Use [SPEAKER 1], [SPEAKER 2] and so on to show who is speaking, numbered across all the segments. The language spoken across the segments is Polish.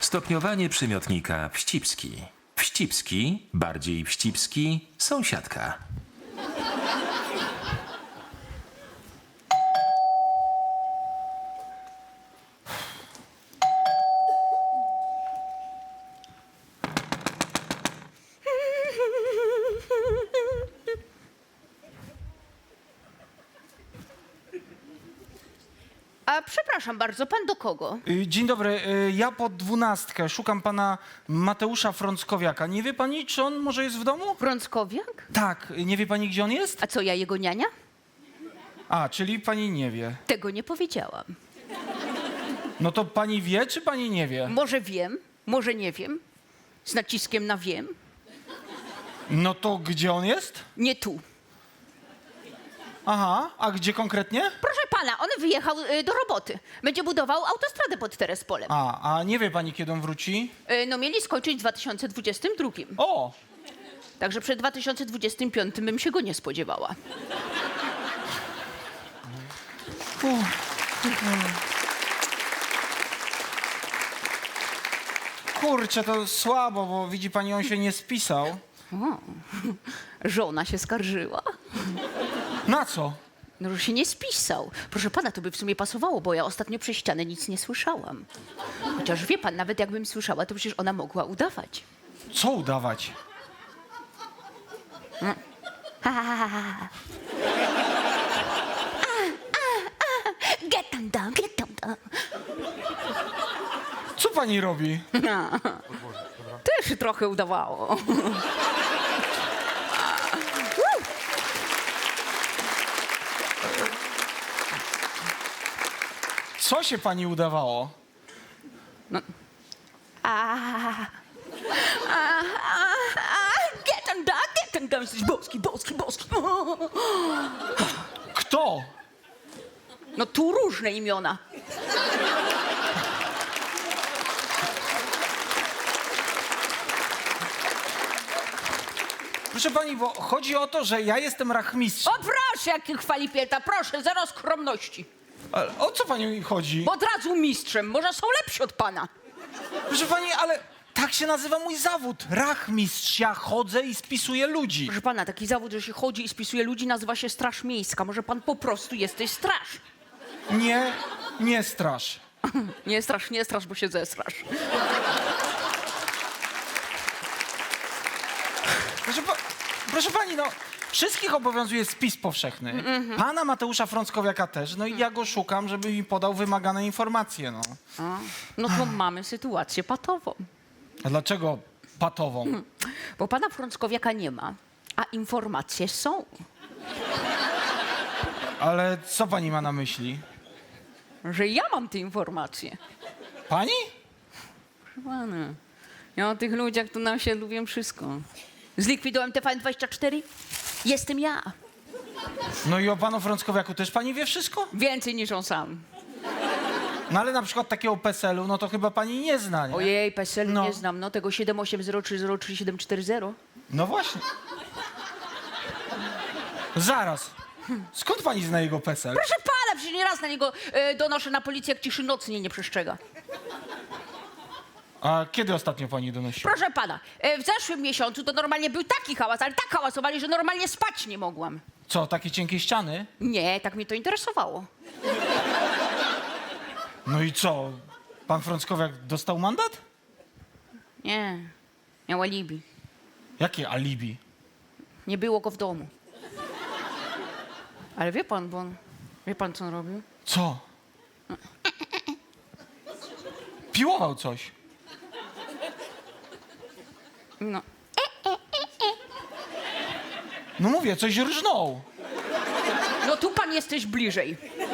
[SPEAKER 1] Stopniowanie przymiotnika wścibski. Wścibski, bardziej wścibski, sąsiadka.
[SPEAKER 2] A przepraszam bardzo, pan do kogo?
[SPEAKER 3] Dzień dobry, ja po 12 szukam pana Mateusza Frąckowiaka. Nie wie pani, czy on może jest w domu?
[SPEAKER 2] Frąckowiak?
[SPEAKER 3] Tak, nie wie pani, gdzie on jest?
[SPEAKER 2] A co, ja jego niania?
[SPEAKER 3] A, czyli pani nie wie.
[SPEAKER 2] Tego nie powiedziałam.
[SPEAKER 3] No to pani wie, czy pani nie wie?
[SPEAKER 2] Może wiem, może nie wiem. Z naciskiem na wiem.
[SPEAKER 3] No to gdzie on jest?
[SPEAKER 2] Nie tu.
[SPEAKER 3] Aha, a gdzie konkretnie?
[SPEAKER 2] Proszę pana, on wyjechał do roboty. Będzie budował autostradę pod Terespolem.
[SPEAKER 3] A nie wie pani, kiedy on wróci?
[SPEAKER 2] No mieli skończyć w 2022.
[SPEAKER 3] O,
[SPEAKER 2] Także przed 2025 bym się go nie spodziewała.
[SPEAKER 3] kurczę, to słabo, bo widzi pani, on się nie spisał.
[SPEAKER 2] Żona się skarżyła.
[SPEAKER 3] Na co?
[SPEAKER 2] No, że się nie spisał. Proszę pana, to by w sumie pasowało, bo ja ostatnio przez ścianę nic nie słyszałam. Chociaż wie pan, nawet jakbym słyszała, to przecież ona mogła udawać.
[SPEAKER 3] Co udawać?
[SPEAKER 2] Get them down, get them down.
[SPEAKER 3] Co pani robi?
[SPEAKER 2] Też się trochę udawało.
[SPEAKER 3] Co się pani udawało?
[SPEAKER 2] Get them down, get them down. Jesteś boski, boski, boski.
[SPEAKER 3] Kto?
[SPEAKER 2] No tu różne imiona.
[SPEAKER 3] Proszę pani, bo chodzi o to, że ja jestem rachmistrzem.
[SPEAKER 2] O proszę, jaki chwalipieta, proszę, zero skromności.
[SPEAKER 3] Ale o co pani chodzi?
[SPEAKER 2] Bo od razu mistrzem, może są lepsi od pana.
[SPEAKER 3] Proszę pani, ale tak się nazywa mój zawód. Rachmistrz. Ja chodzę i spisuję ludzi.
[SPEAKER 2] Proszę pana, taki zawód, że się chodzi i spisuje ludzi, nazywa się Straż Miejska. Może pan po prostu jesteś straż.
[SPEAKER 3] Nie, nie strasz.
[SPEAKER 2] Nie strasz, bo się zestrasz.
[SPEAKER 3] Proszę pani, no, wszystkich obowiązuje spis powszechny. Pana Mateusza Frąckowiaka też. No i ja go szukam, żeby mi podał wymagane informacje, no.
[SPEAKER 2] No to mamy sytuację patową.
[SPEAKER 3] A dlaczego patową?
[SPEAKER 2] Bo pana Frąckowiaka nie ma, a informacje są.
[SPEAKER 3] Ale co pani ma na myśli?
[SPEAKER 2] Że ja mam te informacje.
[SPEAKER 3] Pani?
[SPEAKER 2] Proszę pana, ja o tych ludziach tu na osiedlu wiem wszystko. Zlikwidowałem TVN24? Jestem ja.
[SPEAKER 3] No i o panu Frąckowiaku też pani wie wszystko?
[SPEAKER 2] Więcej niż on sam.
[SPEAKER 3] No ale na przykład takiego PESEL-u, no to chyba pani nie zna, nie?
[SPEAKER 2] Ojej, PESEL
[SPEAKER 3] No.
[SPEAKER 2] nie znam, no tego 780303740.
[SPEAKER 3] No właśnie. Zaraz. Skąd pani zna jego PESEL?
[SPEAKER 2] Proszę pana, przecież nieraz na niego donoszę na policję, jak ciszy nocnej nie przestrzega.
[SPEAKER 3] A kiedy ostatnio pani donosiła?
[SPEAKER 2] Proszę pana, w zeszłym miesiącu to normalnie był taki hałas, ale tak hałasowali, że normalnie spać nie mogłam.
[SPEAKER 3] Co, takie cienkie ściany?
[SPEAKER 2] Nie, tak mnie to interesowało.
[SPEAKER 3] No i co? Pan Frąckowiak dostał mandat?
[SPEAKER 2] Nie, miał alibi.
[SPEAKER 3] Jakie alibi?
[SPEAKER 2] Nie było go w domu. Ale wie pan, wie pan, co on robił?
[SPEAKER 3] Co? Piłował coś.
[SPEAKER 2] No,
[SPEAKER 3] No mówię, coś rżnął.
[SPEAKER 2] no tu pan jesteś bliżej.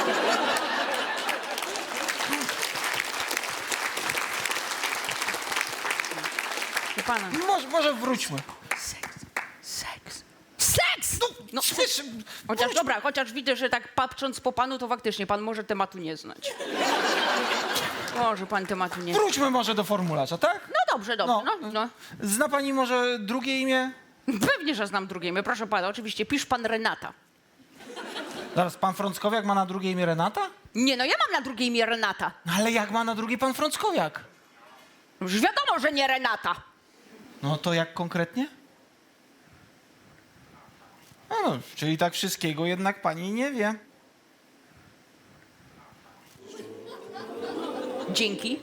[SPEAKER 2] Wie pana.
[SPEAKER 3] Może wróćmy.
[SPEAKER 2] Seks.
[SPEAKER 3] No, słyszę.
[SPEAKER 2] Chociaż dobra, chociaż widzę, że tak patrząc po panu, to faktycznie pan może tematu nie znać. Może pan tematu nie znać.
[SPEAKER 3] Wróćmy może do formularza, tak?
[SPEAKER 2] No dobrze, no.
[SPEAKER 3] Zna pani może drugie imię?
[SPEAKER 2] Pewnie, że znam drugie imię. Proszę pana, oczywiście, pisz pan Renata.
[SPEAKER 3] Zaraz, pan Frąckowiak ma na drugie imię Renata?
[SPEAKER 2] Nie, no ja mam na drugie imię Renata.
[SPEAKER 3] No ale jak ma na drugie pan Frąckowiak?
[SPEAKER 2] Już wiadomo, że nie Renata.
[SPEAKER 3] No to jak konkretnie? No, czyli tak wszystkiego jednak pani nie wie.
[SPEAKER 2] Dzięki.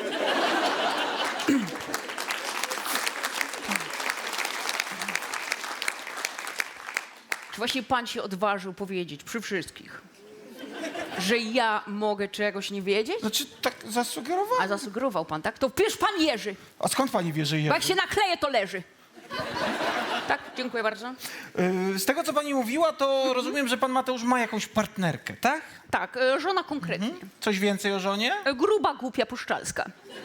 [SPEAKER 2] Czy właśnie pan się odważył powiedzieć przy wszystkich, że ja mogę czegoś nie wiedzieć?
[SPEAKER 3] Znaczy, tak zasugerowałem.
[SPEAKER 2] A zasugerował pan, tak? To przecież pan Jerzy.
[SPEAKER 3] A skąd pani wie, że
[SPEAKER 2] Bo
[SPEAKER 3] ja?
[SPEAKER 2] jak się nakleje, to leży. Tak, dziękuję bardzo.
[SPEAKER 3] Z tego, co pani mówiła, to rozumiem, że pan Mateusz ma jakąś partnerkę, tak?
[SPEAKER 2] Tak, żona konkretnie.
[SPEAKER 3] Coś więcej o żonie?
[SPEAKER 2] Gruba, głupia, puszczalska.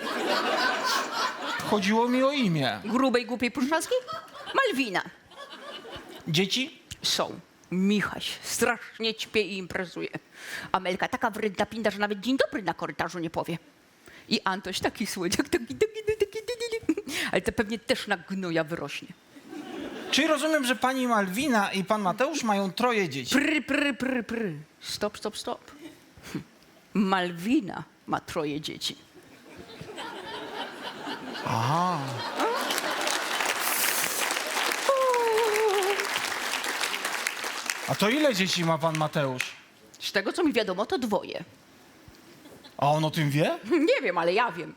[SPEAKER 3] Chodziło mi o imię.
[SPEAKER 2] Grubej, głupiej, puszczalskiej? Malwina.
[SPEAKER 3] Dzieci?
[SPEAKER 2] Są. Michaś strasznie ćpie i imprezuje. Amelka taka wredna pinda, że nawet dzień dobry na korytarzu nie powie. I Antoś taki słodziak, taki. Ale to pewnie też na gnoja wyrośnie.
[SPEAKER 3] Czyli rozumiem, że pani Malwina i pan Mateusz mają 3 dzieci.
[SPEAKER 2] Pry. Stop. Malwina ma 3 dzieci.
[SPEAKER 3] Aha. A to ile dzieci ma pan Mateusz?
[SPEAKER 2] Z tego, co mi wiadomo, to 2.
[SPEAKER 3] A on o tym wie?
[SPEAKER 2] Nie wiem, ale ja wiem.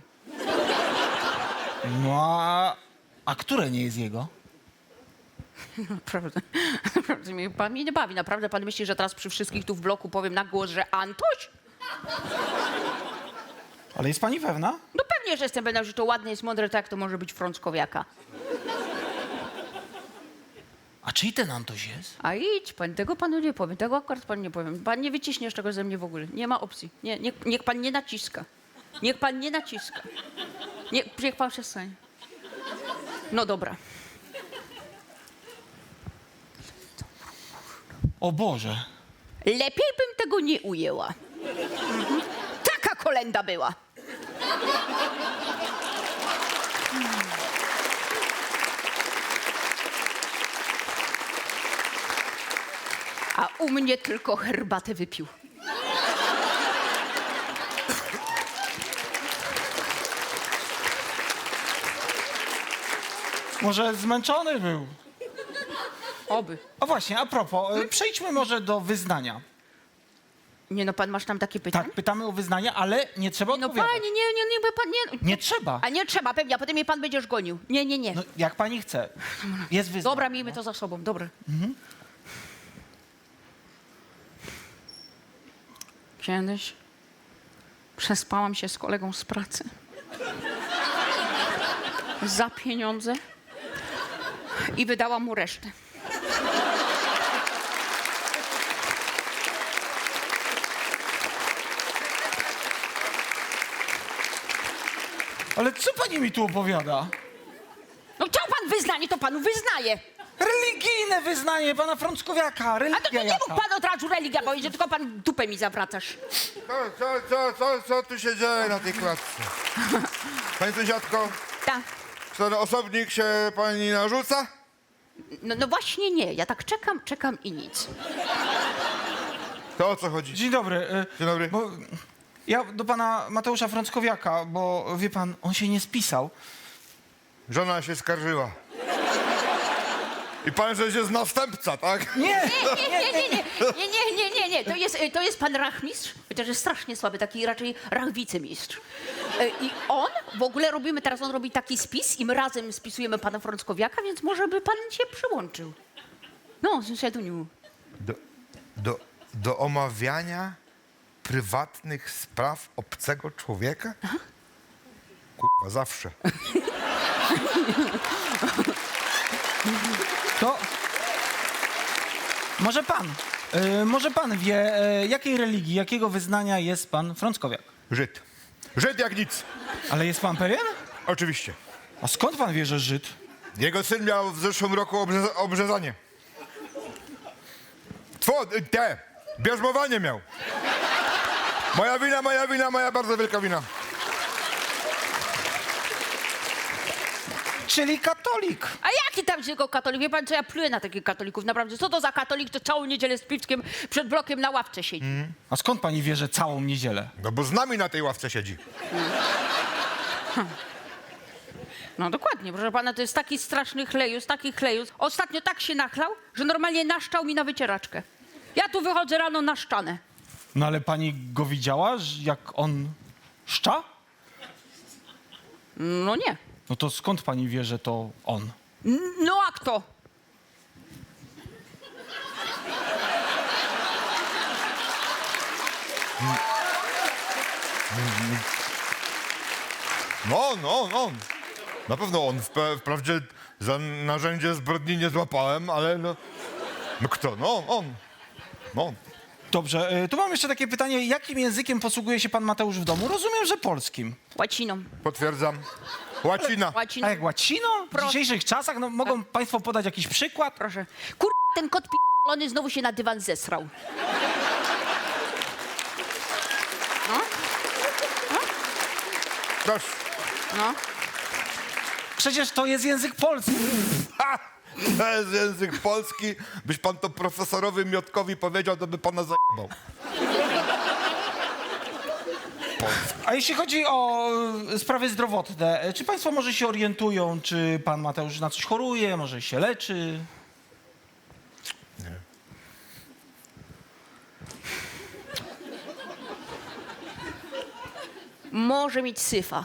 [SPEAKER 3] No a które nie jest jego?
[SPEAKER 2] Naprawdę pan mnie nie bawi. Naprawdę pan myśli, że teraz przy wszystkich tu w bloku powiem na głos, że Antoś?
[SPEAKER 3] Ale jest pani pewna?
[SPEAKER 2] No pewnie, że jestem pewna, że to ładne jest mądre, tak to może być Frąckowiaka.
[SPEAKER 3] A czyj ten Antoś jest?
[SPEAKER 2] A idź pan, tego panu nie powiem, tego akurat panu nie powiem. Pan nie wyciśniesz tego ze mnie w ogóle. Nie ma opcji. Niech pan nie naciska. Niech pan nie naciska. Niech pan przestanie. No dobra.
[SPEAKER 3] O Boże.
[SPEAKER 2] Lepiej bym tego nie ujęła. Taka kolenda była. A u mnie tylko herbatę wypił.
[SPEAKER 3] Może zmęczony był.
[SPEAKER 2] Oby.
[SPEAKER 3] A właśnie, a propos, przejdźmy może do wyznania.
[SPEAKER 2] Nie no, pan masz tam takie pytania?
[SPEAKER 3] Tak, pytamy o wyznanie, ale nie trzeba
[SPEAKER 2] No
[SPEAKER 3] odpowiadać.
[SPEAKER 2] panie, nie, pan nie.
[SPEAKER 3] Nie trzeba.
[SPEAKER 2] A nie trzeba, pewnie, a potem mnie pan będziesz gonił. Nie.
[SPEAKER 3] No, jak pani chce. Jest wyznanie.
[SPEAKER 2] Dobra, miejmy to za sobą, dobra. Kiedyś przespałam się z kolegą z pracy. Za pieniądze. I wydałam mu resztę.
[SPEAKER 3] Ale co pani mi tu opowiada?
[SPEAKER 2] No chciał pan wyznanie, to panu wyznaje.
[SPEAKER 3] Religijne wyznanie pana Frąckowiaka.
[SPEAKER 2] A to
[SPEAKER 3] Religia
[SPEAKER 2] nie
[SPEAKER 3] jaka?
[SPEAKER 2] mógł pan od razu religia powiedzieć, tylko pan dupę mi zawracasz.
[SPEAKER 4] Co tu się dzieje na tej klatce? Pani sąsiadko,
[SPEAKER 2] Tak.
[SPEAKER 4] czy ten osobnik się pani narzuca?
[SPEAKER 2] No właśnie nie, ja tak czekam i nic.
[SPEAKER 4] To o co chodzi?
[SPEAKER 3] Dzień dobry.
[SPEAKER 4] Dzień dobry.
[SPEAKER 3] Bo ja do pana Mateusza Frąckowiaka, bo wie pan, on się nie spisał.
[SPEAKER 4] Żona się skarżyła. I pan, że jest następca, tak?
[SPEAKER 3] Nie!
[SPEAKER 2] Nie. To jest pan rachmistrz, chociaż jest strasznie słaby, taki raczej rachwicemistrz. I on, w ogóle robimy, teraz on robi taki spis i my razem spisujemy pana Frąckowiaka, więc może by pan się przyłączył. No, sąsiaduniu.
[SPEAKER 4] Do omawiania prywatnych spraw obcego człowieka? Kurwa, zawsze.
[SPEAKER 3] To może pan wie, jakiej religii, jakiego wyznania jest pan Frąckowiak?
[SPEAKER 4] Żyd. Żyd jak nic.
[SPEAKER 3] Ale jest pan pewien?
[SPEAKER 4] Oczywiście.
[SPEAKER 3] A skąd pan wie, że Żyd?
[SPEAKER 4] Jego syn miał w zeszłym roku obrzezanie. Bierzmowanie miał. Moja bardzo wielka wina.
[SPEAKER 3] Czyli katolik.
[SPEAKER 2] A jaki tam z niego katolik? Wie pan co, ja pluję na takich katolików, naprawdę. Co to za katolik, to całą niedzielę z piwkiem przed blokiem na ławce siedzi?
[SPEAKER 3] A skąd pani wie, że całą niedzielę?
[SPEAKER 4] No bo z nami na tej ławce siedzi.
[SPEAKER 2] No dokładnie, proszę pana, to jest taki straszny chlejus, taki chlejus. Ostatnio tak się nachlał, że normalnie naszczał mi na wycieraczkę. Ja tu wychodzę rano naszczane.
[SPEAKER 3] No ale pani go widziała, jak on szcza?
[SPEAKER 2] No nie.
[SPEAKER 3] No to skąd pani wie, że to on?
[SPEAKER 2] No a kto?
[SPEAKER 4] No, on. Na pewno on. Wprawdzie za narzędzie zbrodni nie złapałem, ale no... No kto? No, on. No.
[SPEAKER 3] Dobrze, tu mam jeszcze takie pytanie. Jakim językiem posługuje się pan Mateusz w domu? Rozumiem, że polskim.
[SPEAKER 2] Łaciną.
[SPEAKER 4] Potwierdzam. Łacina.
[SPEAKER 2] Łaciną.
[SPEAKER 3] A jak łaciną? W
[SPEAKER 2] Proszę.
[SPEAKER 3] dzisiejszych czasach? No mogą państwo podać jakiś przykład?
[SPEAKER 2] Proszę. Ten kot p***lony znowu się na dywan zesrał.
[SPEAKER 4] Proszę.
[SPEAKER 2] No.
[SPEAKER 3] Przecież to jest język polski.
[SPEAKER 4] Ha! To jest język polski. Byś pan to profesorowi Miotkowi powiedział, to by pana zajebał.
[SPEAKER 3] A jeśli chodzi o sprawy zdrowotne, czy państwo może się orientują, czy pan Mateusz na coś choruje, może się leczy?
[SPEAKER 2] Może mieć syfa.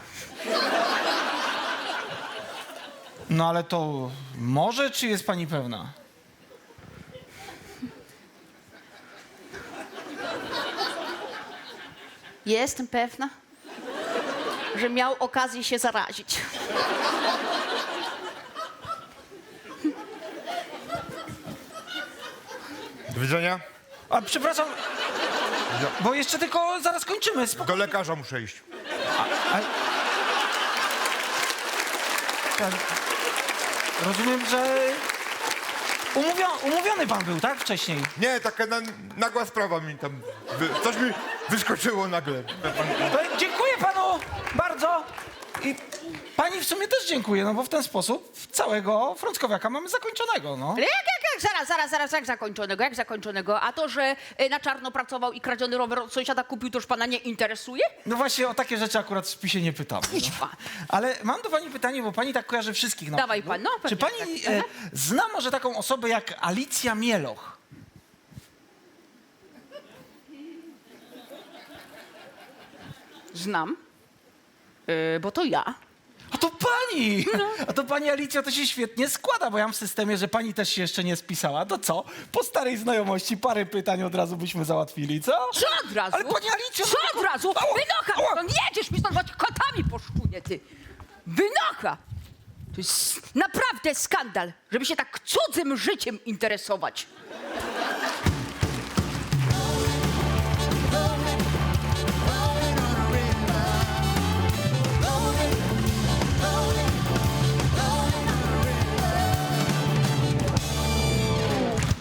[SPEAKER 3] No ale to może, czy jest pani pewna?
[SPEAKER 2] Jestem pewna, że miał okazję się zarazić.
[SPEAKER 4] Do widzenia.
[SPEAKER 3] A przepraszam, bo jeszcze tylko zaraz kończymy.
[SPEAKER 4] Do lekarza muszę iść.
[SPEAKER 3] Rozumiem, że umówiony pan był, tak? Wcześniej.
[SPEAKER 4] Nie, taka nagła sprawa mi tam... Coś mi wyskoczyło nagle.
[SPEAKER 3] To dziękuję panu bardzo. I pani w sumie też dziękuję, no bo w ten sposób całego Frąckowiaka mamy zakończonego, no.
[SPEAKER 2] Jak, zaraz, jak zakończonego? A to, że na czarno pracował i kradziony rower od sąsiada kupił, to już pana nie interesuje?
[SPEAKER 3] No właśnie o takie rzeczy akurat w spisie nie pytam.
[SPEAKER 2] Idź
[SPEAKER 3] No.
[SPEAKER 2] pan.
[SPEAKER 3] Ale mam do pani pytanie, bo pani tak kojarzy wszystkich. Na
[SPEAKER 2] Dawaj
[SPEAKER 3] osiedlu.
[SPEAKER 2] pan, no,
[SPEAKER 3] Czy
[SPEAKER 2] pewnie
[SPEAKER 3] pani
[SPEAKER 2] tak.
[SPEAKER 3] zna może taką osobę jak Alicja Mieloch?
[SPEAKER 2] Znam. Bo to ja.
[SPEAKER 3] A to pani!
[SPEAKER 2] No.
[SPEAKER 3] A to pani Alicja to się świetnie składa, bo ja mam w systemie, że pani też się jeszcze nie spisała. To co? Po starej znajomości parę pytań od razu byśmy załatwili, co?
[SPEAKER 2] Co od razu?
[SPEAKER 3] Ale pani Alicjo...
[SPEAKER 2] Co od razu?
[SPEAKER 3] Ała,
[SPEAKER 2] Wynocha!
[SPEAKER 3] ała.
[SPEAKER 2] No jedziesz mi stąd, bo ci kotami poszkuję, ty. Wynocha! To jest naprawdę skandal, żeby się tak cudzym życiem interesować.